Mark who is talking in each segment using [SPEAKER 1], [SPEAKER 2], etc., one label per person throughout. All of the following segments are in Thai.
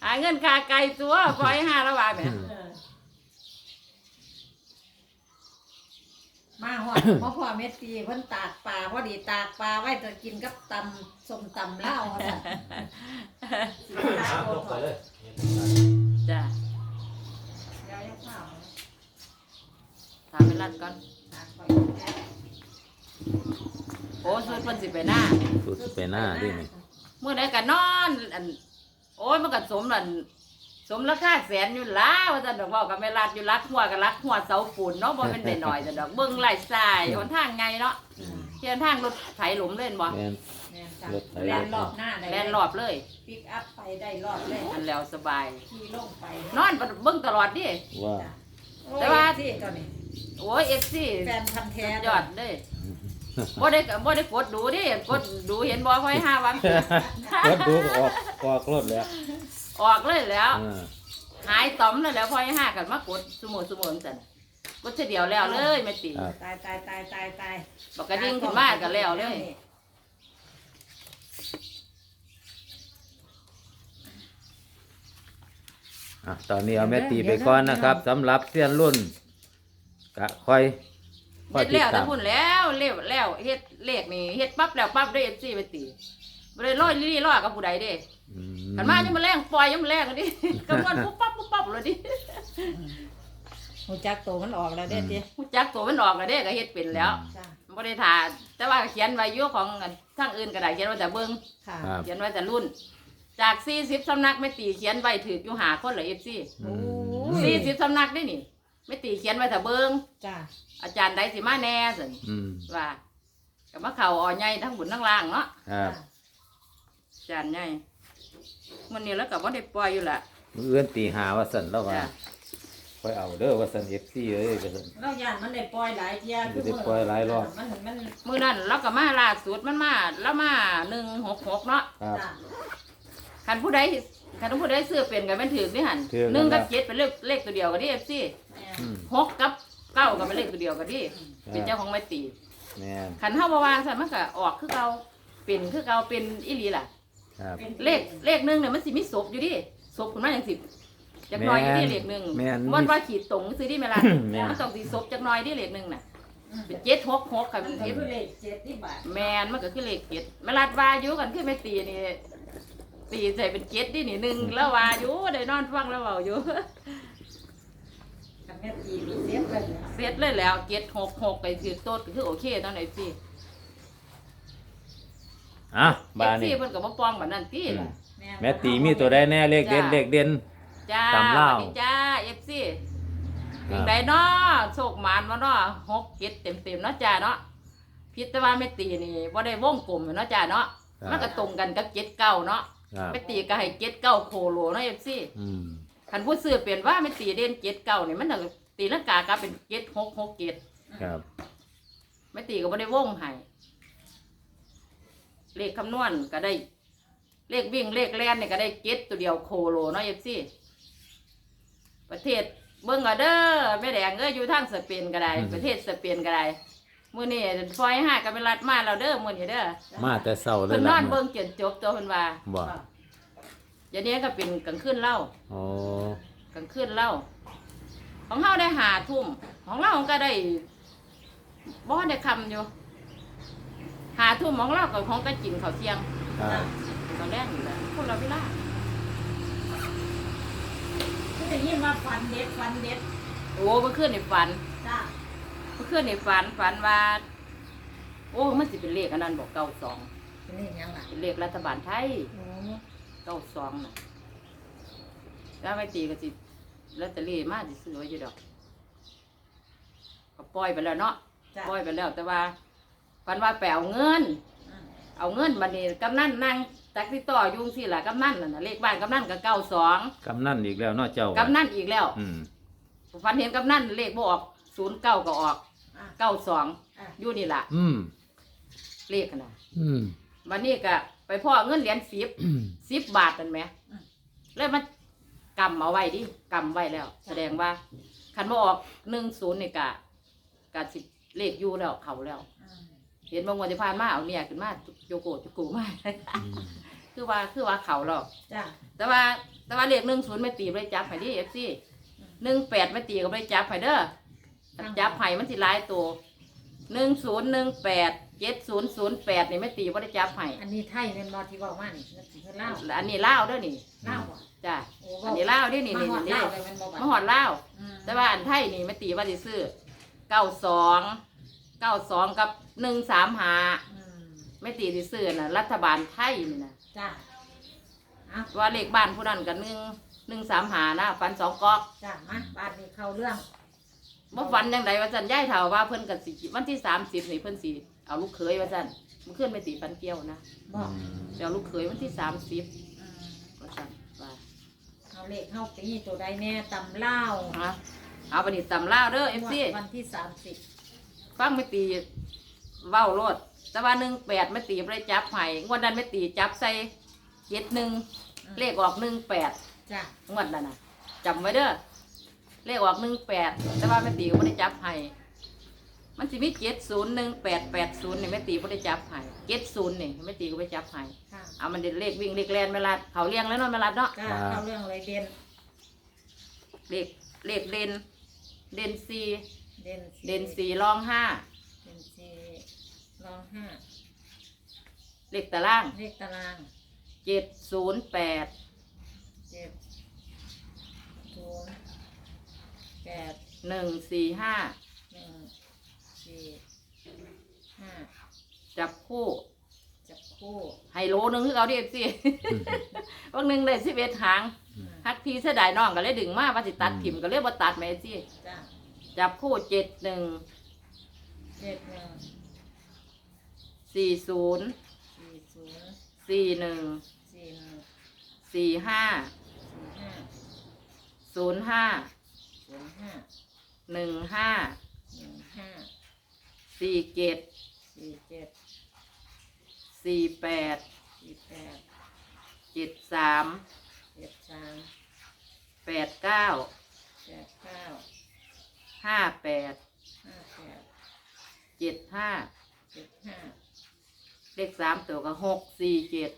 [SPEAKER 1] หาเงินค่าไก่ตัวปล่อยห้าละบาทแหม
[SPEAKER 2] มาหอดพ่อเม็ดตีเพิ่นตากปลาพอดีตากปลาไว้จะกินกับตำส้มตำลาวจ้ะ
[SPEAKER 3] ลงไปเลย
[SPEAKER 1] จ้ะ
[SPEAKER 2] เดี๋ยวยังเปล่า
[SPEAKER 1] ถามไปรัดก่อน
[SPEAKER 2] ตากไป
[SPEAKER 1] โอ้สุดมันสิไปหน้า
[SPEAKER 4] สุดไปหน้าดินี่
[SPEAKER 1] เมื่อใดก็นอนอันโอ้ยมันก็สมนั่นสมราคาแสนอยู่แล้วว่าซั่นดอกเว้ากับแม่รัดอยู่รักหัวกับรักหัวเสาปูนเนาะบ่เป็นได้น้อยซั่นดอกเบิ่งไล่สายหนทางไงเนาะเที่ยทางรถไถหลุมเล่นบ่
[SPEAKER 4] แม่น
[SPEAKER 2] แม่นจ้ะ
[SPEAKER 4] รถไถ
[SPEAKER 2] แลนรอบหน้าได้
[SPEAKER 1] แล่นรอบเลย
[SPEAKER 2] ปิกอัพไปได้รอบเลย
[SPEAKER 1] อันแล้วสบาย
[SPEAKER 2] ขี่ลงไป
[SPEAKER 1] นอนเบิ่งตลอดดิ
[SPEAKER 4] ว่า
[SPEAKER 1] แต่ว่า
[SPEAKER 2] ที่ตอนนี้
[SPEAKER 1] โอ้ย FC
[SPEAKER 2] แฟนพันธุ์แท้
[SPEAKER 1] ยอดเด้บ่ได้กดดูดิกดดูเห็นบ่ค่อย5วัน
[SPEAKER 4] รถดูออกรถแล้ว
[SPEAKER 1] ออกเลยแล้ว
[SPEAKER 4] อ่า
[SPEAKER 1] หายต่อมแล้วค่อย5กันมากดซุมื้อซั่นกดเสียเดียวแล้วเลยแม่ติ
[SPEAKER 4] ครับ
[SPEAKER 2] ตาย
[SPEAKER 1] บอกกระดิ่งขึ้นมาก็แล้วเลย
[SPEAKER 4] ตอนนี้เอาแม่ตีไปก่อนนะครับสำหรับเสี้ยนรุ่นกะค่อย
[SPEAKER 1] เฮ็ด
[SPEAKER 4] ติด
[SPEAKER 1] แล้วแต่
[SPEAKER 4] ตาม
[SPEAKER 1] พุ่นแล้วแล้วเฮ็ดเลขนี่เฮ็ดปั๊บแล้วปั๊บได้ FC ไปตีบ่ได้ร้อยลี่ร้อยกับผู้ใดเด้
[SPEAKER 4] อื
[SPEAKER 1] คันมายังมาแรงปล่อยยังมาแรงกันดิกำมันปุ๊บปั๊บเลยดิ
[SPEAKER 2] หูจักโตมันออกแล้วเด้ติ
[SPEAKER 1] ฮู้จักตัวมันออกก็เด้ก็เฮ็ดเป็นแล้ว
[SPEAKER 2] จ้ะ
[SPEAKER 1] บ่ได้ท่าแต่ว่าเขียนไว้อยู่ของทางอื่นก็ได้เขียนไว้แต่เบิ่ง
[SPEAKER 2] ค่ะ
[SPEAKER 4] ครับ
[SPEAKER 1] เขียนไว้แต่รุ่น จาก40สำนักแม่ตีเขียนไว้ถูกอยู่5คนเหรอ FC
[SPEAKER 4] อืม
[SPEAKER 1] 40สำนักได้นี่แม่ตีเขียนไว้แต่เบิ่ง
[SPEAKER 2] จ้ะ
[SPEAKER 1] อาจารย์ใดสิมาแน่ซั่น
[SPEAKER 4] อืม
[SPEAKER 1] ว่าก็มาเข้าอ่อใหญ่ทั้งบุญทั้งล่างเนาะ
[SPEAKER 4] ครับ
[SPEAKER 1] อาจารย์ใหญ่มื้อนี้แล้วก็บ่ได้ปล่อยอยู่ล่ะ
[SPEAKER 4] มื้ออื่นตีหาว่าสั่นแล้วว่า
[SPEAKER 1] จ้ะ
[SPEAKER 4] ค่อยเอาเด้อว่าสั่น FC เอ้ยว่าสั่น
[SPEAKER 2] เราย่านมันได้ปล่อยหลายเที่ย
[SPEAKER 4] ได้ปล่อยหลายรอบ
[SPEAKER 2] มัน
[SPEAKER 1] มื้อนั้นเราก็มาล่าสุดมันมาแล้วมา166เนาะ
[SPEAKER 4] ครับ
[SPEAKER 2] จ้ะ
[SPEAKER 1] คันผู้ใดซื้อเป็นก็แม่นถูกนี่หั่น
[SPEAKER 4] ถูก
[SPEAKER 1] 1กับ
[SPEAKER 4] นะ
[SPEAKER 1] 7เป็นเลขตัวเดียวกันดิ FC
[SPEAKER 2] แม่
[SPEAKER 4] อืม
[SPEAKER 1] 6กับ9ก็เป็นเลขตัวเดียวกันดิเป็นเจ้าของไม้ตี
[SPEAKER 4] แม่น
[SPEAKER 1] คันเฮาบ่วางซั่นมันก็ออกคือเก่าเป็นคือเก่าเป็นอีหลีล่ะ
[SPEAKER 4] ครับ
[SPEAKER 1] เลขหนึงเนี่ยมันสิมีศพอยู่ดิศพขึ้นมาจังสิจักหน่อยอยู่ดิเลขหนึง
[SPEAKER 4] แม่น
[SPEAKER 1] มันว่าขีดตรงซื้อดิแม่ล่ะ
[SPEAKER 4] แม่น
[SPEAKER 1] มันต้องสิศพจักหน่อยดิเลขหนึงน่ะเป็น766ค่ะ
[SPEAKER 2] มั
[SPEAKER 1] เป็น น
[SPEAKER 2] ก็
[SPEAKER 1] เจ็ด
[SPEAKER 2] คือเลข7ที่บาท
[SPEAKER 1] แมนมันก็คือเลขเจ็ดแม่ลาดวาอยู่กันคือไม่ตีนี่ตีใส่เป็นเจ็ดดินี่หนึ่งแล้ววาอยู่ได้นอนฟังแล้วเบาอยู่
[SPEAKER 2] กับแม่ตีมีเสียบเลย
[SPEAKER 1] เสร็จเลยแล้ว766ไปถือโต๊ดก็คือโอเคตอนไหนสิ
[SPEAKER 4] อ่ะ
[SPEAKER 1] บา
[SPEAKER 4] บา
[SPEAKER 1] นี่
[SPEAKER 4] นี่
[SPEAKER 1] เพิ่นก็บ่ป้องบัดนั้นติล่ะ
[SPEAKER 4] แม่ตีมีตัวใดแน่เลขเด่นเลขเด่น
[SPEAKER 1] จ้า
[SPEAKER 4] ตำลาว
[SPEAKER 1] สวัสดีจ้า FC
[SPEAKER 4] ครับ
[SPEAKER 1] ถึงได้เนาะโชคหมานบ่เนาะ6 7เต็มๆเนาะจ้าเนาะพิดแต่ว่าแม่ตีนี่บ่ได้วงกลมเนาะจ้าเนาะมันก็ตรงกันกับ7 9เนาะ
[SPEAKER 4] ครับ
[SPEAKER 1] แม่ตีก็ให้7 9โคโลเนาะ FC
[SPEAKER 4] อืม
[SPEAKER 1] คันผู้ซื้อเปลี่ยนว่าไม่ตีเด่น7 9นี่มันน่ะตีลังกากลับเป็น7 6 6 7
[SPEAKER 4] ครับ
[SPEAKER 1] ไม่ตีก็บ่ได้วงให้เลขคำนวณก็ได้ เลขวิ่งเลขแล่นนี่ก็ได้7ตัวเดียวโคโลเนาะ FC ประเทศเบิ่งเอาเด้อแม่แดงอยู่ทางสเปนก็ได้ ประเทศสเปนก็ได้มื้อนี้ฟอย5ก็เป็นรัฐมาแล้วเด้อมื้อนี้เด้อ
[SPEAKER 4] มาแต่เช้าเล
[SPEAKER 1] เพิ่
[SPEAKER 4] ย
[SPEAKER 1] นน
[SPEAKER 4] ล่ะ
[SPEAKER 1] อนเบิ่งจนจบตัวเพิ่นว่า
[SPEAKER 4] บ่
[SPEAKER 1] อย่างนี้ก็เป็นกลางคืนเล่า
[SPEAKER 4] โอ้
[SPEAKER 1] กลางคืนเล่าของเฮาได้5 ทุ่มของเราก็ได้บ่ได้คำอยู่5 ทุ่มของเราก็ของก็กินข้าวเที่ยง
[SPEAKER 4] ครับ
[SPEAKER 1] ตอนแรกอยู่แล้วคนเราเวลา
[SPEAKER 2] คือได้ยินว่าฟันเด็ด
[SPEAKER 1] โอ้เมื่อคืนในฝัน
[SPEAKER 2] จ้ะ
[SPEAKER 1] เมื่อคืนในฝันว่า โอ้มันสิเป็นเลขอันนั้นบอก92
[SPEAKER 2] เป็นนี่ยังล่ะ
[SPEAKER 1] เป็นเลขรัฐบาลไทย
[SPEAKER 2] โอ้
[SPEAKER 1] 92น่ะแล้วไม่ตีก็สิลอตเตอรี่มาสิซื้อไว้อยู่ดอกก็ปล่อยไปแล้วเนาะ
[SPEAKER 2] จ้ะ
[SPEAKER 1] ปล่อยไปแล้ว แต่ว่าฝันว่าไปเอาเงิน
[SPEAKER 2] อืม
[SPEAKER 1] เอาเงินบัดนี้กำนันนั่งตักที่ต่ออยุ่จั่งสิล่ะกำนันน่ะเลขบ้านกำนันก็92
[SPEAKER 4] กำนั่นอีกแล้วเนาะเจ้าก
[SPEAKER 1] ำนันอีกแล้ว
[SPEAKER 4] อืม
[SPEAKER 1] ฝันเห็นกำนันเลขบ่ออก09ก็ออก
[SPEAKER 2] อ่ะ
[SPEAKER 1] 92
[SPEAKER 2] อ่ะ
[SPEAKER 1] อยู่นี่ล่ะ
[SPEAKER 4] อืม
[SPEAKER 1] เลขน่ะ
[SPEAKER 4] อืม
[SPEAKER 1] วันนี้ก็ไปพ่อเงินเหรียญ10บาทนั่นแหมเลยมากำเอาไว้ดิกำไว้แล้ว แสดงว่าคันบ่ออก10นี่ก็สิเลขอยู่แล้วเขาแล้ว
[SPEAKER 2] อืม
[SPEAKER 1] เห็นบางวันที่ผ่านมาเอาเนี่ยขึ้นมาโยโกะจุกูมา
[SPEAKER 4] อืม
[SPEAKER 1] คือว่าเขาหรอก
[SPEAKER 2] จ้ะ
[SPEAKER 1] แต่ว่าเลข10แม่ตีบ่ได้จับให้ดิ FC 18แม่ตีก็บ่ได้จับให้เด้อถ้าจับให้มันสิหลายตัว1018 7008นี่แม่ตีบ่ได้จับให้
[SPEAKER 2] อันนี้ไทยเป็นบอที่บอกว่านี่นั่นคือเล่าว
[SPEAKER 1] อันนี้ลาวเด้อนี่
[SPEAKER 2] เล่าวบ่
[SPEAKER 1] จ้ะ
[SPEAKER 2] โอ้
[SPEAKER 1] อันนี้ลาวเด้อนี่
[SPEAKER 2] มา
[SPEAKER 1] นี่
[SPEAKER 2] หอด
[SPEAKER 1] นี่
[SPEAKER 2] เล่าวเลยมันบอก
[SPEAKER 1] มาหอดลาว
[SPEAKER 2] อืม
[SPEAKER 1] แต่ว่าอันไทยนี่แม่ตีว่าสิซื้อ92กับ135
[SPEAKER 2] อืม
[SPEAKER 1] แม่ตีสิซื้อน่ะรัฐบาลไทยนี่นะ
[SPEAKER 2] จ้ะเอา
[SPEAKER 1] ว่าเลขบ้านผู้นั้นก็135นะฟัน2กอก
[SPEAKER 2] จ้ะมาบ้านนี้เข้าเรื่อง
[SPEAKER 1] บ่ฟันจังไดว่าซั่นยายเฒ่าว่าเพิ่นก็สิวันที่30นี่เพิ่นสิเอาลูกเขยว่าซั่นมื้อคืนแม่ตีฟันเกี่ยวนะ
[SPEAKER 2] บอก
[SPEAKER 1] สิเอาลูกเขยวันที่30
[SPEAKER 2] อืม
[SPEAKER 1] ว่าซั่นว่า
[SPEAKER 2] เอาเลขเข้าปีตัวใดแน่ตำเล่าว
[SPEAKER 1] ฮะเอาบัดนี้ตำลาวเด้อ FC
[SPEAKER 2] วันที่
[SPEAKER 1] ฟังแม่ตีเว้าโลดแต่ว่า18แม่ตีบ่ได้จับให้งวดนั้นแม่ตีจับใส่71เลขออก18
[SPEAKER 2] จ้ะ
[SPEAKER 1] งวดนั้นน่ะจำไว้เด้อเลขออก18แต่ว่าแม่ตีก็บ่ได้จับให้มันสิมี701880นี่แม่ตีบ่ได้จับให้70นี่แม่ตีก็บ่ได้จับให้
[SPEAKER 2] ค่ะ
[SPEAKER 1] เอามันเด็ดเลขวิ่งเลขแล่นแม่ลัดเขาเลี้ยงแล้วเนาะแม่ลัดเนาะ
[SPEAKER 2] จ้ะเข้าเรื่องเลยเด่น
[SPEAKER 1] เลขเด่น4
[SPEAKER 2] เด่น
[SPEAKER 1] เด่น4รอง5
[SPEAKER 2] เด่นสี่รองห้า
[SPEAKER 1] เลขตาราง
[SPEAKER 2] เลขตาราง
[SPEAKER 1] 708
[SPEAKER 2] เจ็ดศูนย์แปด
[SPEAKER 1] 145
[SPEAKER 2] หนึ่งสี่ห้า
[SPEAKER 1] จับคู่
[SPEAKER 2] จับคู่
[SPEAKER 1] ไฮโลนึงคือเอาดิสิ วันหนึงได้11หางฮักพี่เสียดายน้องก็เลยดึงมาว่าสิตัดถิ่มก็เลยบ่ตัดแม่สิ
[SPEAKER 2] จ้ะ
[SPEAKER 1] จับคู่71
[SPEAKER 2] เจ็ดหนึ่ง
[SPEAKER 1] 40
[SPEAKER 2] สี่ศูนย์
[SPEAKER 1] 41
[SPEAKER 2] สี่หนึ่ง
[SPEAKER 1] 45
[SPEAKER 2] สี่ห้า
[SPEAKER 1] 05
[SPEAKER 2] ศูนย์ห้า
[SPEAKER 1] 15
[SPEAKER 2] หนึ่งห้า
[SPEAKER 1] 47
[SPEAKER 2] สี่เจ็ด
[SPEAKER 1] 48
[SPEAKER 2] สี่แปด
[SPEAKER 1] 73
[SPEAKER 2] เจ็ดสาม
[SPEAKER 1] 89
[SPEAKER 2] แปดเก้า
[SPEAKER 1] 58
[SPEAKER 2] ห้าแปด
[SPEAKER 1] 75
[SPEAKER 2] เจ็ดห้า
[SPEAKER 1] เลข3ตัวก็647
[SPEAKER 2] สี่เจ็ด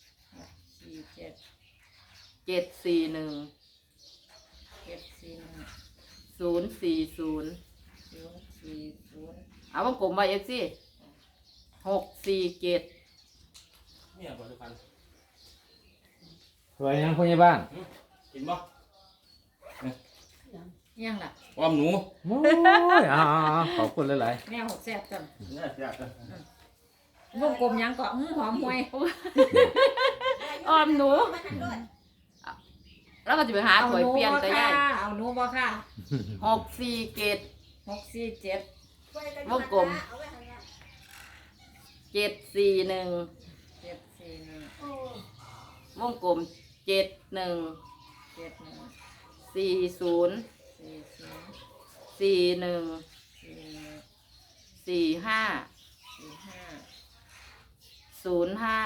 [SPEAKER 1] 741
[SPEAKER 2] เจ็ดสี่หนึ่ง
[SPEAKER 1] 040
[SPEAKER 2] ศูนย์สี่ศูนย์
[SPEAKER 1] เอาวงกลมไว้ FC 647
[SPEAKER 3] เนี่ยบริพันธ์
[SPEAKER 4] รวยยังพยาบาล
[SPEAKER 3] กินบ่
[SPEAKER 2] ยังล่ะ
[SPEAKER 3] อ้อมหนู
[SPEAKER 4] โอ้ยขอบคุณหลาย
[SPEAKER 2] แม่หกแซ่บจัง
[SPEAKER 3] เนี่ยแซ่บเลย
[SPEAKER 2] วงกลมยังก็หอมห่วย
[SPEAKER 1] อ้อมหนู แล้วก็จะไปหา
[SPEAKER 2] เอา
[SPEAKER 1] ถวย
[SPEAKER 2] หนู
[SPEAKER 1] เปลี่ยน
[SPEAKER 2] บ่
[SPEAKER 1] ก็
[SPEAKER 2] ค่ะ
[SPEAKER 1] ได้
[SPEAKER 2] เอาหนูบ่ค่ะ
[SPEAKER 1] 647
[SPEAKER 2] 647
[SPEAKER 1] วงกลม 741
[SPEAKER 2] เจ็ดสี่หนึ่ง
[SPEAKER 1] วงกลม71
[SPEAKER 2] เจ็ดหนึ่ง
[SPEAKER 1] 40
[SPEAKER 2] สี่ศูนย์
[SPEAKER 1] 41
[SPEAKER 2] สี่หนึ่ง
[SPEAKER 1] 45
[SPEAKER 2] สี่ห้า
[SPEAKER 1] 05
[SPEAKER 2] ศูนย์ห้า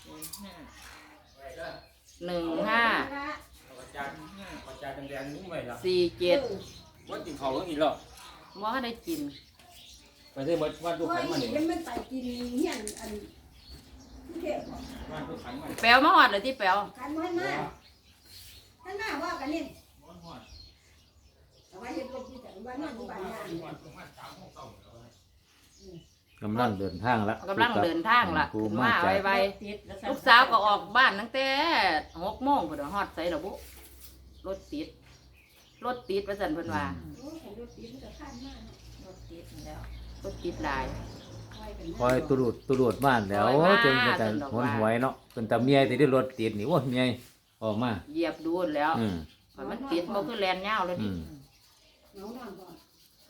[SPEAKER 1] 15
[SPEAKER 3] ประจานประจานแดงๆนุ่มไปแล้ว
[SPEAKER 1] 47
[SPEAKER 3] ว่ากินเขาก็กินแล้ว
[SPEAKER 1] ว่าได้กิน
[SPEAKER 3] ไปได้วัดวัดลูกขันมาเนี่ย
[SPEAKER 5] มันไปกินเฮียนอันเทพบอก
[SPEAKER 3] วัดลูกขันมา
[SPEAKER 1] แปลวมาหอดเลยที่แปลว
[SPEAKER 5] กันมันมาท่านมาว่ากันนี่เอาไว้เห็นลูกที่แต่ว่านอนอยู่บ้านยา
[SPEAKER 4] ๆกำลังเดินทางละ
[SPEAKER 1] กำลังเดินทางล่ะ
[SPEAKER 4] กู
[SPEAKER 1] ขึ้น
[SPEAKER 4] มา
[SPEAKER 1] มา
[SPEAKER 4] จาก
[SPEAKER 1] ไวๆลูกสาวก็ออกบ้านตั้งแต่6 โมงเพิ่นฮอดใส่ระบุรถติดว่าซั่นเพิ่นว่า
[SPEAKER 5] โอ้ของรถตีมันจะข้ามมาก
[SPEAKER 2] รถติดแล้ว
[SPEAKER 1] รถติดหลาย
[SPEAKER 4] คอยตุรุดบ้านแล้ว
[SPEAKER 1] คอยมา
[SPEAKER 4] จนเป็นแต่
[SPEAKER 1] จนดอก
[SPEAKER 4] หน
[SPEAKER 1] ว่า
[SPEAKER 4] หวยเนาะเป็นแต่เมียที่ได้รถติดนี่โอ้ยเมียออกมา
[SPEAKER 1] เหยียบดูนแล้ว
[SPEAKER 4] อืม
[SPEAKER 1] มันติดบ่คือแลนยาวเลย
[SPEAKER 4] อื
[SPEAKER 1] นี่
[SPEAKER 4] ม
[SPEAKER 5] น้องนอนก่อน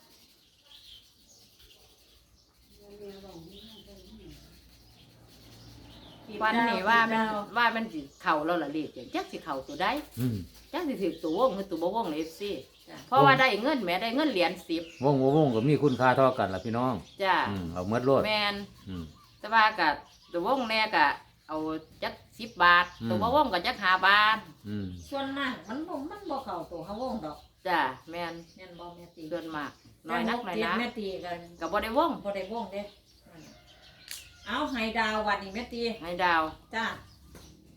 [SPEAKER 1] วันนี้ว่ามันสิเข้าแล้วล่ะเลขจักสิเข้าตัวใด
[SPEAKER 4] อืม
[SPEAKER 1] จักสิถือตัววงหรือตัวบ่วงใน FC เพราะว่าได้เงินแหม่ได้เงินเหรียญ10
[SPEAKER 4] วงก็มีคุณค่าเท่ากันล่ะพี่น้อง
[SPEAKER 1] จ้า
[SPEAKER 4] เอาเมื่อโลด
[SPEAKER 1] แม่น
[SPEAKER 4] อืม
[SPEAKER 1] แต่ว่าก็ตัววงแน่ก็เอาจัก10 บาท ตัวบ่วงก็จัก5 บาท
[SPEAKER 4] อืม
[SPEAKER 2] ส่วนมากมันบ่เข้าตัวเขาวงดอก
[SPEAKER 1] จ้าแม่น
[SPEAKER 2] แม่นบ่แม่ตี
[SPEAKER 1] ส่วนมากน้อยนักน้อย
[SPEAKER 2] แต่
[SPEAKER 1] นะ
[SPEAKER 2] แม่ตีกัน
[SPEAKER 1] ก็บ่ได้วง
[SPEAKER 2] บ่ได้วงเด้เอาไฮดาววันนี้แม่ตี
[SPEAKER 1] ให้ดาว
[SPEAKER 2] จ้า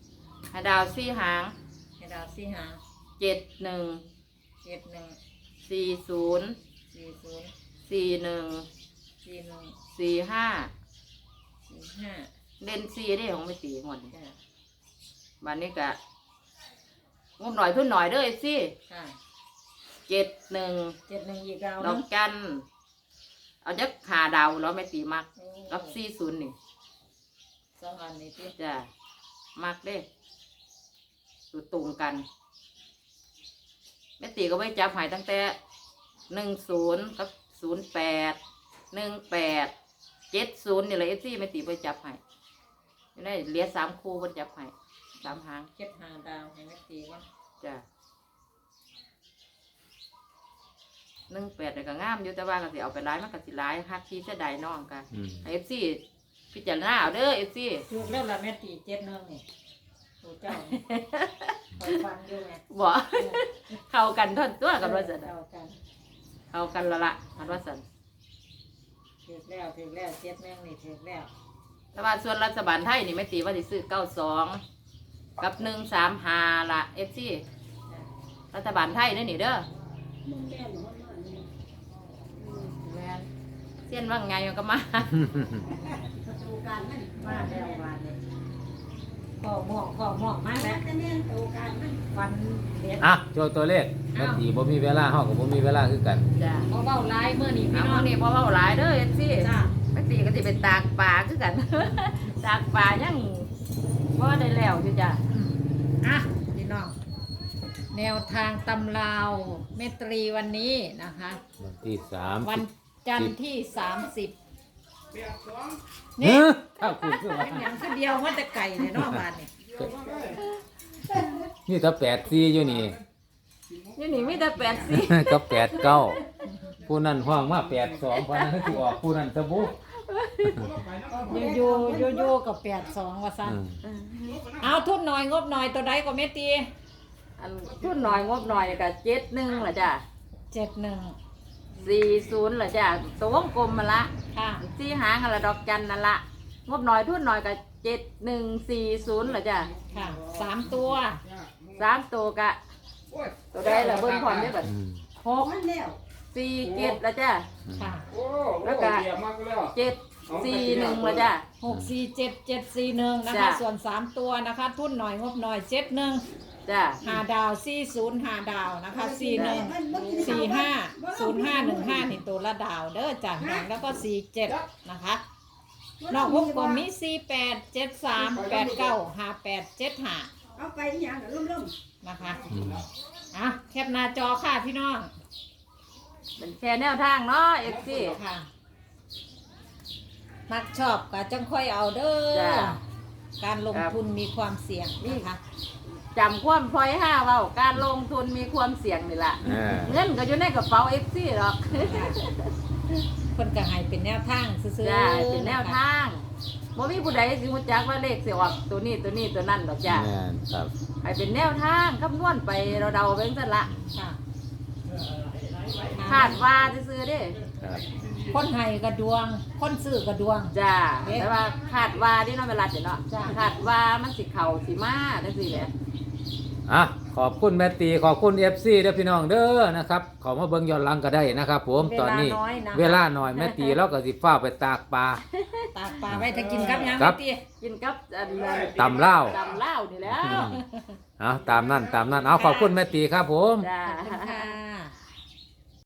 [SPEAKER 1] ให้ดาว4หาง
[SPEAKER 2] ให้ดาวสี่หาง
[SPEAKER 1] 71
[SPEAKER 2] 71
[SPEAKER 1] 40
[SPEAKER 2] 40
[SPEAKER 1] 41
[SPEAKER 2] 41
[SPEAKER 1] 45
[SPEAKER 2] 45
[SPEAKER 1] เล่น4ได้ของไม่ตีหมด
[SPEAKER 2] จ้ะ
[SPEAKER 1] บัดนี้ก็งบหน่อยทุนหน่อยเด้อสิ
[SPEAKER 2] ค่ะ
[SPEAKER 1] 71
[SPEAKER 2] 71อีกดาว
[SPEAKER 1] ดอกจันเอาจักหาดาวแล้วไม่ตีมักกับ
[SPEAKER 2] 4
[SPEAKER 1] 40นี่
[SPEAKER 2] สองอันนี้ติ
[SPEAKER 1] จ้ะมักเด้ตัวตรงกันแม่ตีก็ไม่จับใหายตั้งแต่10กับ08 18 70นี่แหละFCแม่ตีไปจับใหายอยู่ในเหลือ3คู่บ่จับใหาย3หาง
[SPEAKER 2] เก็บหาดาวให้แม่ตีว่า
[SPEAKER 1] จ้ะ18นี่ก็งามอยู่แต่ว่าก็สิเอาไปหลายมันก็สิหลายฮักที่เสียดายน้องกัน
[SPEAKER 4] อืม
[SPEAKER 1] FC พิจารณาเอาเด้อ FC
[SPEAKER 2] ถูกแล้วล่ะแม่ตี71นี่ถูกเจ้าคอยฟังอยู่ไง
[SPEAKER 1] บ่ เข้ากันท่อนตัวกันว่าซั่น
[SPEAKER 2] เข้ากัน
[SPEAKER 1] เข้ากันละละมันว่าซั่น
[SPEAKER 2] ถูกแล้ว71นี่ถูกแล้ว
[SPEAKER 1] แต่ว่าส่วนรัฐบาลไทยนี่ไม่ตีว่าสิซื้อ92กับ135ล่ะ FC
[SPEAKER 2] จ้ะ
[SPEAKER 1] รัฐบาลไทยเด้อนี่เด้อ
[SPEAKER 5] มึงแก่หนูว่านี่
[SPEAKER 1] แม่นเส้นว่าไงมันก็มา
[SPEAKER 5] ประตูการมัน
[SPEAKER 2] มาแล้ววันนี้ข้อหมอกมาแล้ว
[SPEAKER 5] แต่แม่นประตูการมัน
[SPEAKER 2] ฟันเด็ด
[SPEAKER 4] อ่ะโจทย์ตัวเลขแม่ตีบ่มีเวลาเฮาก็บ่มีเวลาคือกัน
[SPEAKER 1] จ้ะ
[SPEAKER 2] เบาๆลายเมื่อนี้พี่
[SPEAKER 1] เอา
[SPEAKER 2] น้อง
[SPEAKER 1] นี่บ่เว้าหลายเด้อ FC
[SPEAKER 2] จ้า
[SPEAKER 1] ไม่ตีก็สิเป็นตากปลาคือกัน ตากปลายังบ่ได้แล้วอยู่จ้ะ
[SPEAKER 2] อ่ะพี่น้องแนวทางตำราวเมตรีวันนี้นะคะ
[SPEAKER 4] วันที่
[SPEAKER 2] วัน
[SPEAKER 4] 30
[SPEAKER 2] จันทร์ที่ 30
[SPEAKER 4] เฮ้
[SPEAKER 2] นี่
[SPEAKER 4] ยถ้าคุณคือว่า
[SPEAKER 2] เป็นอย่างคือเดียวมันจะไก่เลยเนาะบ้านนี่
[SPEAKER 4] นี่ถ้า84อยู่นี่
[SPEAKER 1] อยู่นี่มีแต่84
[SPEAKER 4] ก็89ผู้นั้นห้องมา82เพราะนั้นคือสิออกผู้นั้นซะบุ
[SPEAKER 2] อยู่กับ82ว่าซั่น
[SPEAKER 4] อืม
[SPEAKER 2] เอาทุนหน่อยงบหน่อยตัวใดก็เมตรี
[SPEAKER 1] อันทุนหน่อยงบหน่อยก็71ล่ะจ้ะ
[SPEAKER 2] 71
[SPEAKER 1] 40ล่ะจ้ะตัววงกลมมาละ
[SPEAKER 2] ค่ะ
[SPEAKER 1] สี่หางอะไรดอกจันนั่นละงบหน่อยทุนหน่อยกับ7140เหรอจ้ะ
[SPEAKER 2] ค่ะ3ตัว
[SPEAKER 1] 3ตัวกะตัวได้ละเบิ้งพร้อมได้แบบ
[SPEAKER 4] อืม
[SPEAKER 5] มันแล้ว
[SPEAKER 1] 47ละจ้ะ
[SPEAKER 2] ค่ะ
[SPEAKER 1] แล้วก็
[SPEAKER 3] เตรียมมากแล้ว
[SPEAKER 1] 741ละจ้ะ
[SPEAKER 2] 647741นะคะ
[SPEAKER 1] จ้ะ
[SPEAKER 2] ส่วน3ตัวนะคะ ทุนหน่อยงบหน่อย71
[SPEAKER 1] จ้ะ
[SPEAKER 2] 5 ดาว40 5 ดาวนะคะ41 45 0515นี่ตัวละดาวเด้อจ้ะแล้วก็47นะคะนอกวงกลมมี48 73 89 58 75
[SPEAKER 5] เอาไปอีหยังน่ะล่ม
[SPEAKER 2] นะคะ
[SPEAKER 4] อืม
[SPEAKER 2] อ่ะแคปหน้าจอค่ะพี่น้อง
[SPEAKER 1] เป็นแค่แนวทางเนาะเอฟซี
[SPEAKER 2] ค่ะ มักชอบก็จังค่อยเอาเด้อ
[SPEAKER 1] จ้ะ
[SPEAKER 2] การลงทุนมีความเสี่ยงนะคะ
[SPEAKER 1] จำความพลอย5เว้าการลงทุนมีความเสี่ยงนี่ล่ะ
[SPEAKER 4] อ่า
[SPEAKER 1] เงินก็อยู่ในกระเป๋าเอฟซีหรอก
[SPEAKER 2] คนก็ให้เป็นแนวทางซื่อ
[SPEAKER 1] จ้ะ
[SPEAKER 2] ๆ
[SPEAKER 1] เป็นแนวทางบ่มีผู้ใดสิรู้จักว่าเลขสิออกตัวนี้ตัวนี้ตัวนั้นดอกจ้ะ
[SPEAKER 4] แม่นครับ
[SPEAKER 1] ให้เป็นแนวทางคำนวณไปเราเดาๆไปจังซั่นละ
[SPEAKER 2] ค่ะ
[SPEAKER 1] คาดว่าซื่อๆเด้
[SPEAKER 4] ครับ
[SPEAKER 2] คนให้กระดวง คนซื้อกระดวง
[SPEAKER 1] จ้า
[SPEAKER 2] เอ๊ะ
[SPEAKER 1] แต่ว่าคาดว่าที่น้องเวลาเนาะ
[SPEAKER 2] จ้ะ
[SPEAKER 1] คาดว่ามันสิเข่าสิมาจังซี่แหละ
[SPEAKER 4] อ่ะขอบคุณแม่ตีขอบคุณ FC เด้อพี่น้องเด้อนะครับเขอมาเบิ่งย้อนหลังก็ได้นะครับผมตอนนี้
[SPEAKER 1] เวลาน้อยนะ
[SPEAKER 4] เวลาหน่อยแม่ตีเราก็สิฟ้าวไปตากปลา
[SPEAKER 2] ตากปลาไว้ถ้ากินกับหยัง
[SPEAKER 4] ครับ
[SPEAKER 2] พี่
[SPEAKER 1] กินกับอันนั้น
[SPEAKER 4] ตำเหล้า
[SPEAKER 1] ตำเหล้านี่แหล้ว
[SPEAKER 4] เอาตามนั้นเอาขอบคุณแม่ตีครับผม
[SPEAKER 1] จ้า
[SPEAKER 2] ขอบคุณค่ะ